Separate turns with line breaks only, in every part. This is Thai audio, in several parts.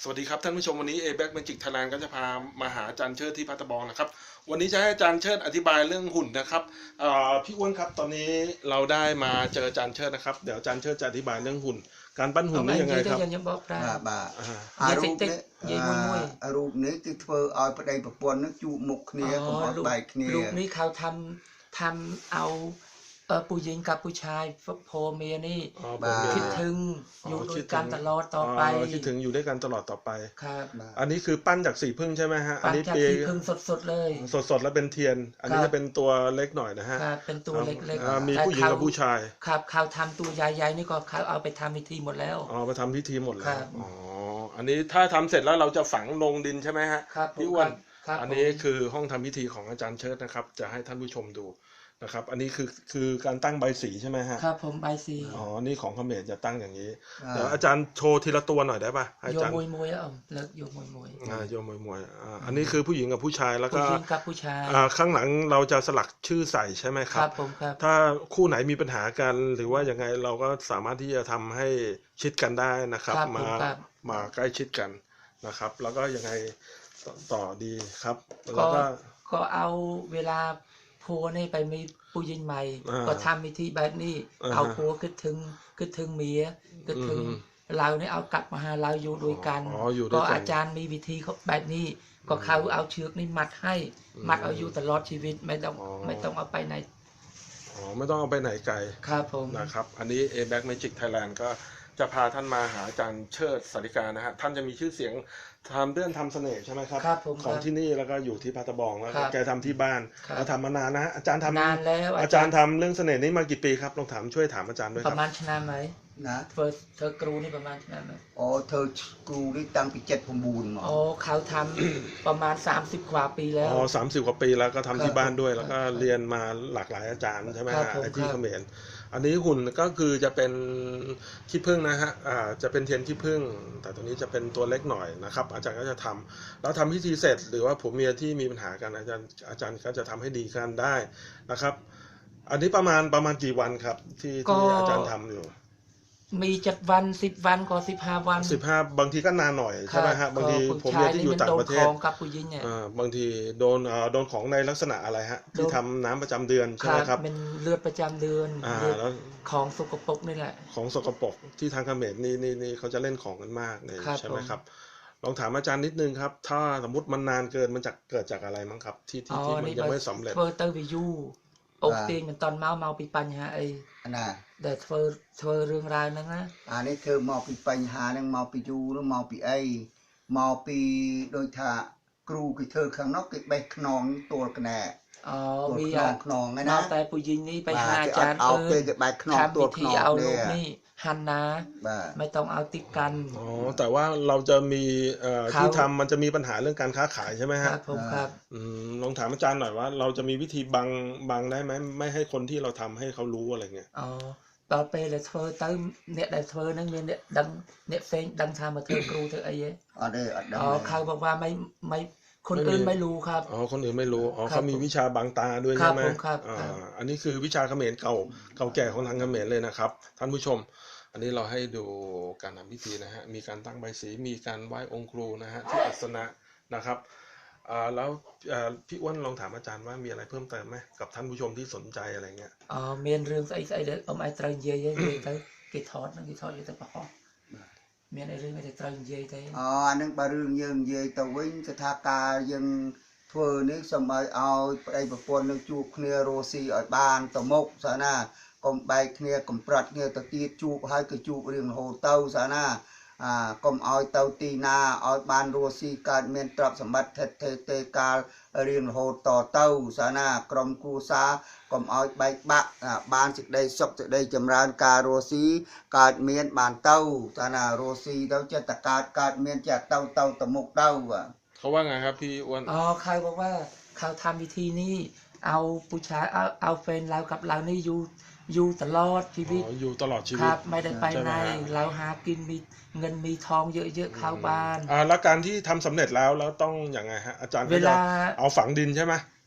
วัสดีครับท่านผู้ชมวันนี้ A-Back Magic Thailand ก็จะพามาหาอาจารย์เชิดที่พัทบองนะครับวันนี้จะให้อาจารย์เชิดอธิบายเรื่องหุ่นนะครับพี่อ้วนครับตอนนี้เราได้มาเจออาจารย์เชิดนะครับเดี๋ยวอาจารย์เชิดจะอธิบายเรื่องหุ่นการปั้นหุ่นนี่ยังไงครับ
រូបនេះគឺធ្វើឲ្យប្តីប្រពន្ធនឹងជួបមុខគ្នាកុំឲ្យបែកគ្នា
រូបនេះเขาทำเอาผู้หญิงกับผู้ชายพ่อเมียนี่คิดถึงอยู่ด้วยกันตลอดต่อไป
คิดถึงอยู่ด้วยกันตลอดต่อไป
ครับ
อันนี้คือปั้นจากสีพึ่งใช่ไหมฮะ
ปั้นจากสีพึ่งสดๆเลย
สดๆแล้วเป็นเทียนอันนี้จะเป็นตัวเล็กหน่อยนะฮะ
เป็นตัวเล็ก
ๆมีผู้หญิงกับผู้ชาย
ครับเขาทำตัวใหญ่ๆนี่ก็เขาเอาไปทำพิธีหมดแล้ว
ไปทำพิธีหมดแล้วอันนี้ถ้าทำเสร็จแล้วเราจะฝังลงดินใช่ไหมฮะพี่อ้วนอันนี้คือห้องทำพิธีของอาจารย์เชิดนะครับจะให้ท่านผู้ชมดูนะครับอันนี้คือการตั้งใบสีใช่ไหมฮะ
ครับผมใบสี
นี่ของเขมรจะตั้งอย่างนี้เดี๋ยวอาจารย์โชว์ทีละตัวหน่อยได้ป่ะอาจารย์
โยมวยเลิกโยมวย
โยมวยอันนี้คือผู้หญิงกับผู้ชายแล้วก็
ผู้หญิงกับผู้ชาย
ข้างหลังเราจะสลักชื่อใส่ใช่ไหมครับ
ครับผมครับ
ถ้าคู่ไหนมีปัญหากันหรือว่ายังไงเราก็สามารถที่จะทำให้ชิดกันได้นะครับมาใกล้ชิดกันนะครับแล้วก็ยังไงต่อดีครับแล้ว
ก็เอาเวลาผัวนี่ไปมีผู้หญิงใหม่ก็ทำวิธีแบบนี้เอาผัวคิดถึงเมียคิดถึงเราเนี่ยเอากลับมาหาเราอยู่ด้วยกันก็อาจารย์มีวิธีแบบนี้ก็เขาเอาเชือกนี่มัดให้มัดเอาอยู่ตลอดชีวิตไม่ต้องเอาไปไหน
ไม่ต้องเอาไปไหนไกล
ครับผม
นะครับอันนี้ A-Back Magic Thailand ก็จะพาท่านมาหาอาจารย์เชิดสาริกานะฮะท่านจะมีชื่อเสียงทำเรื่องทำเสน่ห์ใช่ไหมครับของที่นี่แล้วก็อยู่ที่พัทบองแล้วแกทำที่บ้านเราทำมานานนะฮะอาจารย์ทำ
นานแล้ว
อาจารย์ทำเรื่องเสน่ห์นี้มากี่ปีครับลองช่วยถามอาจารย์ด้วยครับ
ประมาณชนะไหมนะเธอกรูนี่ประมาณชนะไหม
เธอกรูนี่ตั้งปี7-9มา
เขาทำประมาณ30 กว่าปีแล้ว
30 กว่าปีแล้วก็ทำที่บ้านด้วยแล้วก็เรียนมาหลากหลายอาจารย์ใช่ไหมฮะที่เขมรอันนี้หุ่นก็คือจะเป็นขี้ผึ้งนะฮะจะเป็นเทียนขี้ผึ้งแต่ตัวนี้จะเป็นตัวเล็กหน่อยนะครับอาจารย์ก็จะทำแล้วทำพิธีเสร็จหรือว่าผัวเมียที่มีปัญหากันอาจารย์ก็จะทำให้ดีกันได้นะครับอันนี้ประมาณกี่วันครับที่อาจารย์ทำอยู่
มี7 วัน10 วันก็15 วัน
15บางทีก็นานหน่อยใช่ไหมฮะบางทีผมเมียที่อยู่ต่างประเทศ
กับผู้หญิงเนี่ย
บางทีโดนของในลักษณะอะไรฮะที่ทำน้ำประจำเดือนใช่ไหมครับ
เป็นเลือดประจำเดือน
แล้ว
ของสกปรกนี่แหละ
ของสกปรกที่ทางเขมรนี่เขาจะเล่นของกันมากเลยใช่ไหมครับลองถามอาจารย์นิดนึงครับถ้าสมมติมันนานเกินมันจะเกิดจากอะไรมั้งครับที่มันยังไม่สำเร็จ
เฟอร์เตอร์วิยูอกตีนมันตอนเมาปีปัญหาไอ้แต่เธอเรื่องราวนั้นนะ
อันนี้คือเมาปีปัญหานั่งเมาปียูหรือเมาปีไอเมาปีโดยถ้ากรูคือเธอข้างนอกกิบใบขนองตัวกระแหน่
มี
ขนองไงนะ
แต่ผู้หญิงนี่ไปหาอาจารย์
เอาไปใบขนองตัวขนอง
เอาลูกนี่หันนะไม่ต้องเอาติดกัน
แต่ว่าเราจะมีที่ทำมันจะมีปัญหาเรื่องการค้าขายใช่ไหมฮะ
ครับผมครับ
ลองถามอาจารย์หน่อยว่าเราจะมีวิธีบังได้ไหมไม่ให้คนที่เราทำให้เขารู้อะไรเงี้ย
ต่อไปเลยเธอตั้งเนี่ยแต่เธอนั่งเนี่ยดังเนี่ยเฟ้งดังทำมาเธอกรูเธอไอ้เย้เขาบอกว่าไม่คนอื่นไม่รู้ครับ
คนอื่นไม่รู้เขามีวิชาบังตาด้วยใช่ไหม
ครับ
อันนี้คือวิชาเขมรเก่าแก่ของทางเขมรเลยนะครับท่านผู้ชมอันนี้เราให้ดูการทำพิธีนะฮะมีการตั้งใบสีมีการไหว้องค์ครูนะฮะที่อัสนะนะครับแล้วพี่อ้วนลองถามอาจารย์ว่ามีอะไรเพิ่มเติมไหมกับท่านผู้ชมที่สนใจอะไรเงี้ย
เมียนเรื่องไอ้เด็กไอ้ตรังเย่ไปกิทอดอยู่แต่ปะฮะเมียนไอ้เรื่องไอ้ตรังเย่แต่
อันนั้นบารื่องยังเย่ตะวิ่งสถาการยังเพื่อนี้สมัยเอาไอ้ประปนนึงจูบเนียโรซีไอ้บานตะมกสานะกมใบเนียกมปรัดเนียตะตีจูบให้กระจูบเรื่องโฮเต้าสานะกมเอาเต้าตีนาเอาบานโรซีการเมียนตรับสมบัติเทการเรียนโฮต่อเต้าสานากรมกูซากมเอาใบบักบานสิได้ศกสิได้จำรานการโรซีการเมียนบานเต้าสานาโรซีเต้าจะตะการเมียนจะเต้าตะมุกเต้า
เขาว่าไงครับพี่อ้วน
ใครบอกว่าเขาทำวิธีนี้เอาผู้ชายเอาแฟนเรากับเรานี่อยู่ตลอดชีวิต
อยู่ตลอดชีวิต
ครับไม่ได้ไปไหนเราหากินมีเงินมีทองเยอะๆเข้าบ้าน
แล้วการที่ทำสำเร็จแล้วต้องอย่างไงฮะอาจารย์เวลาเอาฝังดินใช่ไหม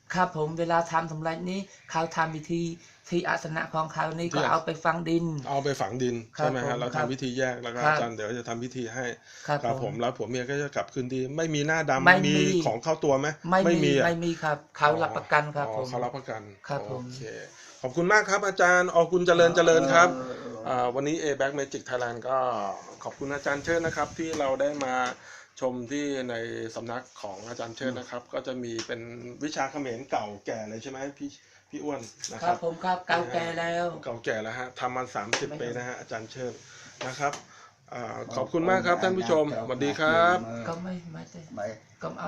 ครับผมเวลาทำสำเร็จนี้เขาทำพิธีที่อาสนะของเขานี่ก็เอาไปฝังดิน
เอาไปฝังดิน
ครับ
ใช่ไหม
ผ
ฮะ
ม
เรา
ครับ
ทำพิธีแยกแล้วก็
ครับ
อาจารย์เดี๋ยวจะทำพิธีให้
ครับ
ผมแล้วผัวเมียก็จะกลับคืนดีไม่มีหน้าดำ
ไม่มี
มีของเข้าตัวไหม
ไม่มี
อะ
ไม่มีครับ เขารับประกันครับ
อ๋อ
ผม
เขารับประกัน
ครับผม
โอเคขอบคุณมากครับอาจารย์อกุลเจริญเจริญครับวันนี้ A-Back Magic Thailand ก็ขอบคุณอาจารย์เชิดนะครับที่เราได้มาชมที่ในสำนักของอาจารย์เชิดนะครับก็จะมีเป็นวิชาเขมรเก่าแก่เลยใช่ไหมพี่อ้วนนะ
ค
ค
รั
รั
บบ ผมครับเก่าแก่แล้ว
เก่าแก่แล้วฮะทำมา30 ปีนะฮะอาจารย์เชิดนะครับขอบคุณมากครับท่านผู้ชมสวัสดีครับ
ก็ไม่ได้
ไม่
ก็เอา